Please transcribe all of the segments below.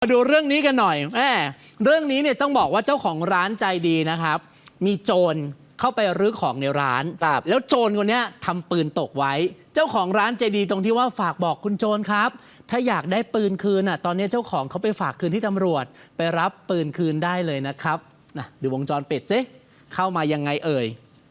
มาดูเรื่องนี้กันหน่อยเรื่องนี้เนี่ยต้องบอกว่าเจ้าของร้านใจดีนะครับมีโจรเข้าไปรื้อของในร้านแล้วโจรคนนี้ทำปืนตกไว้เจ้าของร้านใจดีตรงที่ว่าฝากบอกคุณโจรครับถ้าอยากได้ปืนคืนตอนนี้เจ้าของเขาไปฝากคืนที่ตำรวจไปรับปืนคืนได้เลยนะครับดูวงจรปิดซิเข้ามายังไงเอ่ย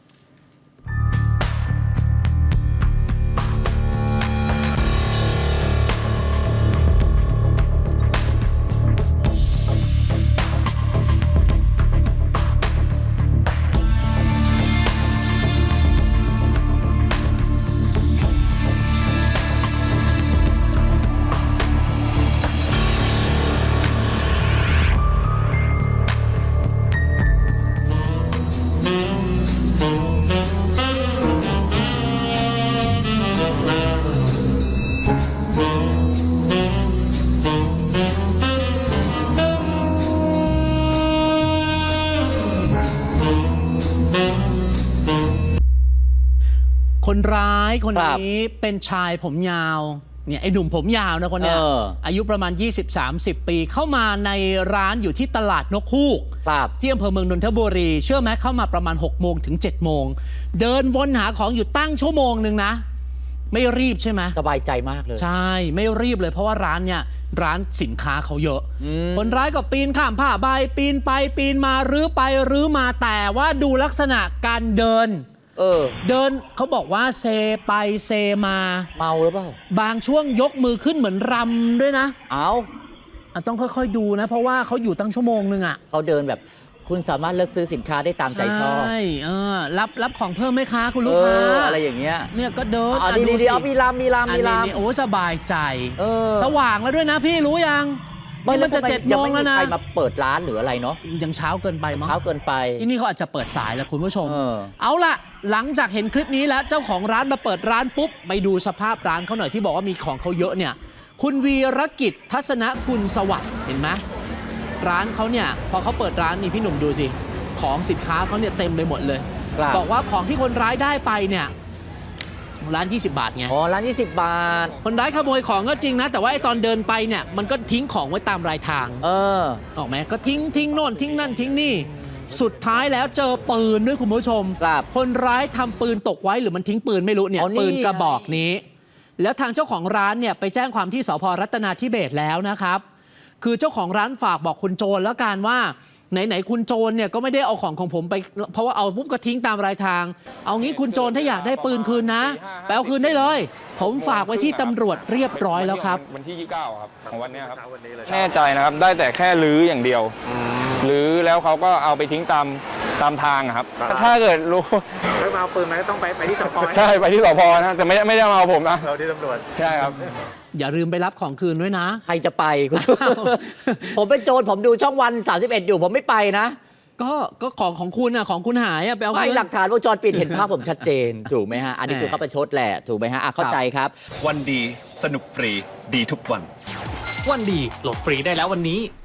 คนร้ายคนนี้เป็นชายผมยาวเนี่ยไอ้หนุ่มผมยาวนะคนนี้อายุประมาณ 20-30 ปีเข้ามาในร้านอยู่ที่ตลาดนกฮูกที่อำเภอเมืองนนทบุรีเชื่อไหมเข้ามาประมาณ6 โมงถึง7 โมงเดินวนหาของอยู่ตั้งชั่วโมงหนึ่งนะไม่รีบใช่ไหมสบายใจมากเลยใช่ไม่รีบเลยเพราะว่าร้านเนี่ยร้านสินค้าเขาเยอะคนร้ายก็ปีนข้ามผ้าใบปีนไปปีนมารื้อไปรื้อมาแต่ว่าดูลักษณะการเดินเขาบอกว่าเซไปเซมาเมาหรือเปล่าบางช่วงยกมือขึ้นเหมือนรำด้วยนะต้องค่อยๆดูนะเพราะว่าเขาอยู่ตั้งชั่วโมงนึงเขาเดินแบบคุณสามารถเลือกซื้อสินค้าได้ตามใจชอบใช่รับของเพิ่มไหมคะคุณลูกค้าอะไรอย่างเงี้ยเนี่ยก็เดินดีมีลำโอ้สบายใจสว่างแล้วด้วยนะพี่รู้ยังมันจะ7 โมงแล้วนะใครมาเปิดร้านหรืออะไรเนาะยังเช้าเกินไปมั้งเช้าเกินไปที่นี่เขาอาจจะเปิดสายแล้วคุณผู้ชมเอาล่ะหลังจากเห็นคลิปนี้แล้วเจ้าของร้านมาเปิดร้านปุ๊บไปดูสภาพร้านเขาหน่อยที่บอกว่ามีของเขาเยอะเนี่ยคุณวีรกิจทัศนกุลสวัสดิ์เห็นไหมร้านเขาเนี่ยพอเขาเปิดร้านนี่พี่หนุ่มดูสิของสินค้าเขาเนี่ยเต็มไปหมดเลยบอกว่าของที่คนร้ายได้ไปเนี่ยร้าน20 บาทไงร้าน20 บาทคนร้ายขโมยของก็จริงนะแต่ว่าไอ้ตอนเดินไปเนี่ยมันก็ทิ้งของไว้ตามรายทางออกไหมก็ทิ้งโน่นทิ้งนั่นทิ้งนี่สุดท้ายแล้วเจอปืนด้วยคุณผู้ชมคนร้ายทำปืนตกไว้หรือมันทิ้งปืนไม่รู้เนี่ยปืนกระบอกนี้แล้วทางเจ้าของร้านเนี่ยไปแจ้งความที่สภ.รัตนาธิเบศรแล้วนะครับคือเจ้าของร้านฝากบอกคุณโจรแล้วกันว่าไหนคุณโจรเนี่ยก็ไม่ได้เอาของผมไปเพราะว่าเอาปุ๊บก็ทิ้งตามรายทางเอางี้คุณโจรถ้าอยากได้ปืนคืนนะไปเอาคืนได้เลยผมฝากไว้ที่ตำรวจเรียบร้อยแล้วครับวันที่29ครับของวันนี้ครับแน่ใจนะครับได้แต่แค่ลื้ออย่างเดียวลื้อแล้วเขาก็เอาไปทิ้งตามทางครับถ้าเกิดรู้ไม่มาเอาปืนมาต้องไปที่สพใช่ไปที่สพนะแต่ไม่ได้มาเอาผมนะเราที่ตำรวจใช่ครับอย่าลืมไปรับของคืนด้วยนะใครจะไปผมเป็นโจรผมดูช่องวัน31อยู่ผมไม่ไปนะก็ของคุณของคุณหายไปเอาหลักฐานวงจรปิดเห็นภาพผมชัดเจนถูกไหมฮะอันนี้คือเขาประชดแหละถูกไหมฮะเข้าใจครับวันดีสนุกฟรีดีทุกวันวันดีโหลดฟรีได้แล้ววันนี้